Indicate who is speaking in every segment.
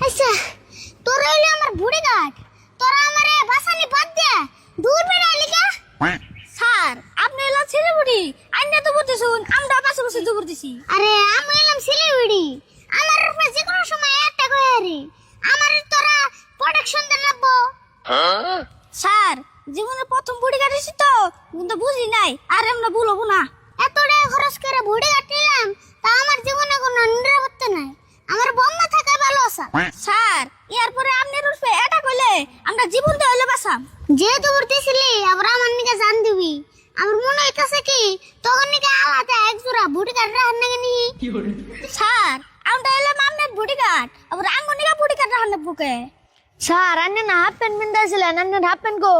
Speaker 1: আচ্ছা তোরা হইলে আমার বুড়ি গাছ, তোরা আমারে বাসানি বাদ দে দূর বেড়া লিগা।
Speaker 2: স্যার আপনি এলা ছেলে বুড়ি আইনা তো বলতেছুন আমরা পাশে বসে তো করতেছি।
Speaker 1: আরে আমি এলাম সিলিগুড়ি, আমার উপরে যে কোনো সময় অ্যাটাক হয়ে আরে আমার তোরা প্রোটেকশন দেন লাগবো।
Speaker 2: স্যার জীবনে প্রথম বুড়ি কাটিছি তো কিন্তু বুঝি নাই আর আমরা ভুলবো না।
Speaker 1: এত টাকা খরচ করে বুড়ি গাছ নিলাম তা আমার জীবনে কোনো নিরাপত্তা নাই, আমার বম্মা থাকা ভালো আছে।
Speaker 2: স্যার এরপরে আপনার উঠবে এটা কইলে আমরা জীবন দিয়ে হইলে বাঁচাম।
Speaker 1: যেহেতু উঠতেছিলি আবার আমার নিকে জান দিবি, আমার মনে হইতাছে কি তখন নিকে আলাদা এক জোড়া বুড়ি গাছ রাখার নাকি নি।
Speaker 2: স্যার আমরা এলাম আপনার বুড়ি কাট আবার আঙ্গনিকা বুড়ি কাট রাখার বুকে।
Speaker 3: স্যার আন্নে না হাফ প্যান্ট পিন্দাছিলেন, আন্নের হাফ প্যান্ট গো।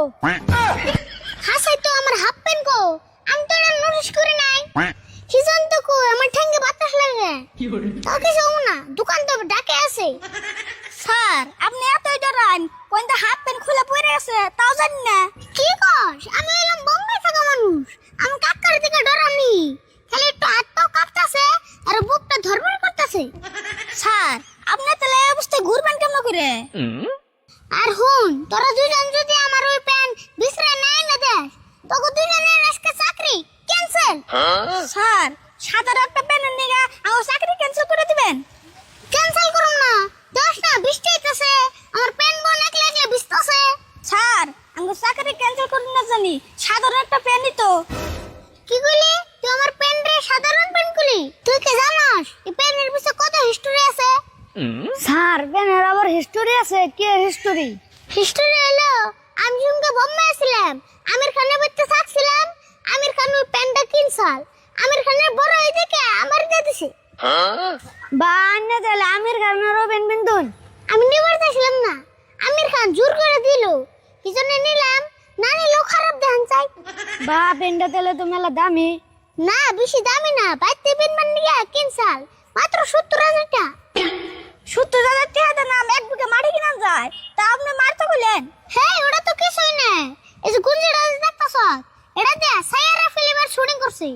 Speaker 1: হাসাই তো আমার হাফ প্যান্ট কো, আমি তো এটা নোটিস করি নাই। হিজন তো কো আমার ঠ্যাঙ্গে বাতাস লাগে, তাও কিছু না দোকান তো ডাকে আছে।
Speaker 2: স্যার আপনি এতই ডরান কোনটা হাফ প্যান্ট খুলে পড়ে আছে তাও জানি না।
Speaker 1: কি কস আমি এলাম বোম্বে থাকা মানুষ, আমি কাকার দিকে ডরানি, খালি একটু হাত পাও কাঁপতাছে আর বুকটা ধরবড় করতেছে।
Speaker 2: স্যার আপনি তাহলে এই অবস্থায় ঘুরবেন কেমন করে?
Speaker 1: আর হুন তোরা দুজন যদি আমার ওই প্যান্ট বিছরে নাই না দেখ তোকে দুজনের আজকে চাকরি ক্যান্সেল।
Speaker 2: স্যার সাদার একটা প্যানের নিগা আমার চাকরি ক্যান্সেল করে দিবেন?
Speaker 1: ক্যান্সেল করুম না, দশ না বৃষ্টি হইতাছে আমার প্যান্ট বোন একলা একলা ভিজতাছে।
Speaker 2: স্যার আমার চাকরি ক্যান্সেল করুন না জানি সাধারণ একটা প্যানই তো।
Speaker 1: কি কইলি তুই আমার প্যান্ট রে সাধারণ প্যান্ট কইলি? তুই কি জানাস এই প্যান্টের পিছে কত হিস্টোরি আছে?
Speaker 3: স্যার প্যানের আবার হিস্টোরি আছে? কি হিস্টোরি?
Speaker 1: হিস্টোরি হলো আমি যখন বোম্বে আসছিলাম আমির খানের বাড়িতে থাকছিলাম, আমির খান ওই প্যান্টটা কিনছাল, আমির খানের বড় হয়ে দেখে আমার দিয়ে দিছে।
Speaker 3: বা আন্নে তাহলে আমির খানেরও প্যান্ট পিন্দুন?
Speaker 1: আমি নিবার চাইছিলাম না, আমির খান জোর করে দিল, কি জন্য নিলাম, না নিলেও খারাপ দেখান চাই।
Speaker 3: বা প্যান্টটা তাহলে তো মেলা দামি।
Speaker 1: না বেশি দামি না, বাইতে পেন মান নিয়ে কিনছাল মাত্র 70,000 টাকা।
Speaker 2: 70,000 টাকা দেন নাম এক বুকে মাটি কিনা যায় তা আপনি মারতে বললেন?
Speaker 1: হ্যাঁ ওটা তো কিছুই না, এই যে গুঞ্জিটা দেখতাছ এটা দিয়ে সাইয়ারা ফিল্মের শুটিং করছি।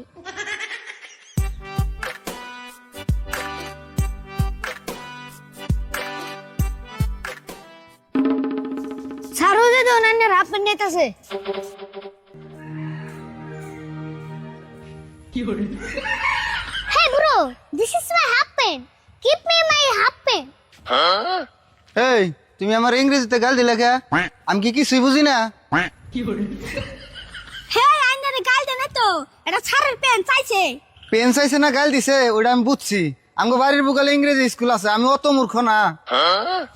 Speaker 3: স্যার ও যে আন্নের হাফ প্যান্ট নিতেছে।
Speaker 1: Hey bro, this is my half pen. Give me my half pen.
Speaker 4: এই তুমি আমার ইংরেজিতে গাল দিলে কে? আমি কি কিছুই বুঝি না?
Speaker 2: হ্যাঁ আইনারে গাল দেন তো এটা ছাড়ের প্যান চাইছে।
Speaker 4: পেন চাইছে না গাল দিছে ওটা আমি বুঝছি। আমগো বাড়ির বুকালে ইংরেজি স্কুল আছে, আমি অত মূর্খ না।